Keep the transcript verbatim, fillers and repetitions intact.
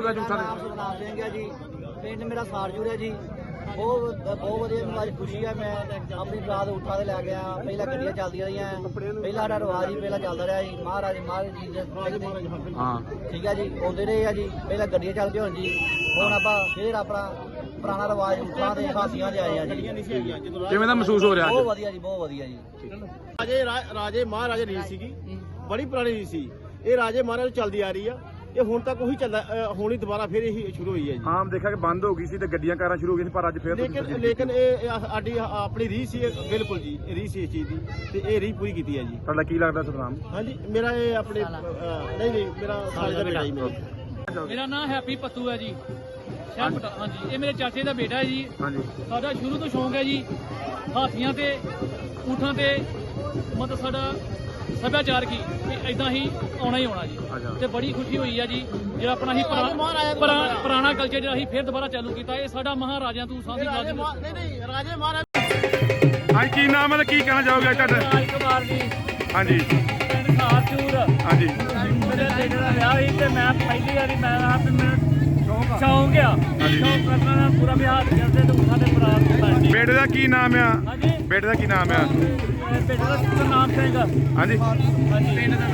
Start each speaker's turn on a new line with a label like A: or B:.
A: ਜਾਓਗੇ ਝੂਠਾ
B: ਨਾਮ ਸੁਖਨਾਮ ਸਿੰਘ ਹੈ ਜੀ, ਪਿੰਡ ਮੇਰਾ ਸਾਰਜੂਰ ਹੈ ਜੀ। ਬਹੁਤ ਬਹੁਤ ਵਧੀਆ ਮੈਨੂੰ ਅੱਜ ਖੁਸ਼ੀ ਹੈ। ਮੈਂ ਆਪਣੀ ਬਰਾਤ ਉਠਾ ਦੇ ਲੈ ਗਿਆ। ਪਹਿਲਾਂ ਗੱਡੀਆਂ ਚੱਲਦੀਆਂ ਰਹੀਆਂ, ਪਹਿਲਾਂ ਸਾਡਾ ਰਿਵਾਜ ਹੀ ਪਹਿਲਾਂ ਚੱਲਦਾ ਰਿਹਾ ਜੀ। ਮਹਾਰਾਜ ਮਹਾਰਾਜ ਜੀ ਦੇ
A: ਹਾਂ
B: ਠੀਕ ਹੈ ਜੀ, ਆਉਂਦੇ ਰਹੇ ਆ ਜੀ। ਪਹਿਲਾਂ ਗੱਡੀਆਂ ਚੱਲਦੀਆਂ ਹੁਣ ਜੀ, ਹੁਣ ਆਪਾਂ ਫੇਰ ਆਪਣਾ ਪੁਰਾਣਾ ਰਿਵਾਜ ਉਠਾ ਦੇ ਹਾਸੀਆਂ ਦੇ ਆਏ ਆ ਜੀ।
A: ਕਿਵੇਂ ਦਾ ਮਹਿਸੂਸ ਹੋ ਰਿਹਾ
B: ਬਹੁਤ
A: ਅੱਜ?
B: ਵਧੀਆ ਜੀ, ਬਹੁਤ ਵਧੀਆ ਜੀ।
C: ਰਾਜੇ ਰਾਜੇ ਮਹਾਰਾਜੇ ਰੀਤ ਸੀਗੀ, ਬੜੀ ਪੁਰਾਣੀ ਰੀਤ ਸੀ। ਇਹ ਰਾਜੇ ਮਹਾਰਾਜੇ ਚੱਲਦੀ ਆ ਰਹੀ ਆ, ਇਹ ਹੁਣ ਤੱਕ ਉਹੀ ਚੱਲਦਾ। ਹੁਣ ਹੀ ਦੁਬਾਰਾ ਫਿਰ ਇਹੀ ਸ਼ੁਰੂ ਹੋਈ ਹੈ ਜੀ।
A: ਆਮ ਦੇਖਿਆ ਕਿ ਬੰਦ ਹੋ ਗਈ ਸੀ ਤੇ ਗੱਡੀਆਂ ਕਾਰਾਂ ਸ਼ੁਰੂ ਹੋ ਗਈਆਂ ਸੀ, ਪਰ ਅੱਜ ਫੇਰ
C: ਲੇਕਿਨ ਲੇਕਿਨ ਇਹ ਇਹ ਸਾਡੀ ਆਪਣੀ ਰੀਤ ਸੀ, ਇਹ ਬਿਲਕੁਲ ਜੀ ਇਹ ਰੀਤ ਸੀ ਇਸ ਚੀਜ਼ ਦੀ, ਤੇ ਇਹ ਰੀਤ ਪੂਰੀ ਕੀਤੀ ਹੈ ਜੀ।
A: ਤੁਹਾਡਾ ਕੀ ਲੱਗਦਾ ਸਤਨਾਮ?
C: ਹਾਂਜੀ, ਮੇਰਾ ਇਹ ਆਪਣੇ ਅਹ, ਨਹੀਂ ਨਹੀਂ ਮੇਰਾ ਸਾਲ ਦਾ ਬੇਟਾ ਜੀ ਮੇਰਾ।
D: ਮੇਰਾ ਨਾਮ ਹੈਪੀ ਪੱਤੂ ਹੈ ਜੀ, ਸ਼ਹਿਰ ਪਟਾ। ਹਾਂਜੀ, ਇਹ ਮੇਰੇ ਚਾਚੇ ਦਾ ਬੇਟਾ ਹੈ ਜੀ।
A: ਹਾਂਜੀ
D: ਸਾਡਾ ਸ਼ੁਰੂ ਤੋਂ ਸ਼ੌਂਕ ਹੈ ਜੀ ਹਾਥੀਆਂ ਤੇ ਊਠਾਂ ਤੇ, ਮਤਲਬ ਸਾਡਾ ਸੱਭਿਆਚਾਰ ਕੀ ਇਦਾਂ ਹੀ ਆਉਣਾ ਹੀ ਆਉਣਾ ਜੀ। ਤੇ ਬੜੀ ਖੁਸ਼ੀ ਹੋਈ ਹੈ ਜੀ ਜਿਹੜਾ ਆਪਣਾ ਹੀ ਪੁਰਾਣਾ ਕਲਚਰ ਜਿਹੜਾ ਅਸੀਂ ਫਿਰ ਦੁਬਾਰਾ ਚਾਲੂ ਕੀਤਾ। ਇਹ ਸਾਡਾ ਮਹਾਰਾਜਿਆਂ ਤੋਂ ਸਾਂਝੀ ਗੱਲ
C: ਨਹੀਂ ਨਹੀਂ ਰਾਜੇ ਮਹਾਰਾਜ।
A: ਹਾਂਜੀ ਕੀ ਨਾਮ ਹੈ ਤੇ ਕੀ ਕਹਿਣਾ ਚਾਹੋਗੇ ਤੁਹਾਡਾ?
D: ਰਾਜ ਕੁਮਾਰ ਜੀ,
A: ਹਾਂਜੀ
D: ਪਿੰਡ ਖਾਰਚੂਰ।
A: ਹਾਂਜੀ
D: ਮੇਰੇ ਬੇਟੇ ਦਾ ਵਿਆਹ ਸੀ ਤੇ ਮੈਂ ਪਹਿਲੀ ਵਾਰੀ ਮੈਂ ਆਪ ਮੈਨੂੰ ਸ਼ੌਂਕ ਆ ਸ਼ੌਂਕ ਕਰਨਾ ਦਾ ਪੂਰਾ ਵਿਹਾਰ ਕਰਦੇ ਤੇ ਊਠਾਂ ਦੇ ਬਰਾਤ ਨੂੰ।
A: ਬੇਟੇ ਦਾ ਕੀ ਨਾਮ ਆ?
D: ਹਾਂਜੀ,
A: ਬੇਟੇ ਦਾ ਕੀ ਨਾਮ ਆ?
D: ਬੇਟੇ ਦਾ ਨਾਮ ਸਿੰਘ।
A: ਹਾਂਜੀ
D: ਹਾਂਜੀ, ਪਿੰਡ ਦਾ